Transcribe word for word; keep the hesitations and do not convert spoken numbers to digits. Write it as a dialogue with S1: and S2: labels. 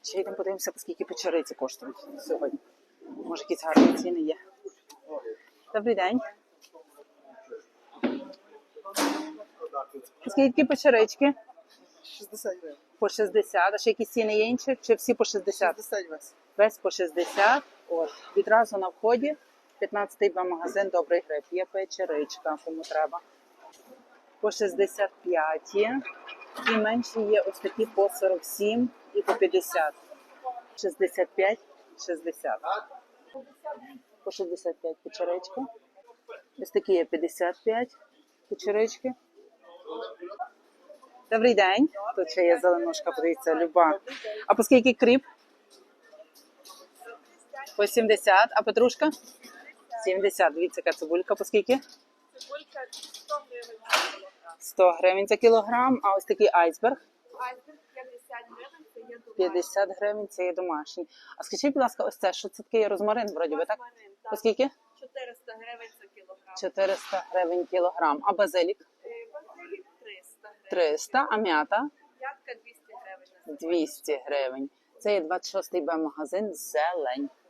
S1: Ще йдемо подивимося, скільки печериці коштують сьогодні. Може, якісь гарні ціни є. Добрий день. Скільки печерички?
S2: шістдесят гривень.
S1: По шістдесят. А ще якісь ціни є інші? Чи всі по шістдесят?
S2: шістдесят весь.
S1: Весь по шістдесят. От. Відразу на вході п'ятнадцятий Б-магазин «Добрий гриб». Є печеричка, кому треба. По шістдесят п'ять є. І менші є ось такі по сорок сім і по п'ятдесят. шістдесят п'ять, шістдесят. По шістдесят п'ять печеричка. Ось такі є п'ятдесят п'ять печерички. Добрий день. Тут ще є зеленушка, подивіться, люба. А по скільки кріп? По сімдесят. А петрушка? сімдесят. Дивіться, яка цибулька. По скільки?
S3: Цибулька сто гривень за кілограм.
S1: сто гривень за кілограм. А ось такий айсберг?
S3: Айсберг п'ятдесят гривень, це є домашній.
S1: п'ятдесят гривень, це є домашній. А скажіть, будь ласка, ось це, що це такий розмарин, вроді би, так?
S3: Розмарин,
S1: По
S3: так.
S1: скільки?
S3: чотириста гривень за кілограм.
S1: чотириста гривень кілограм. А базилік?
S3: Е, Базилік триста гривень.
S1: триста. А м'ята?
S3: Ядка двісті гривень.
S1: двісті гривень. Це є двадцять шостий Б-магазин «Зелень».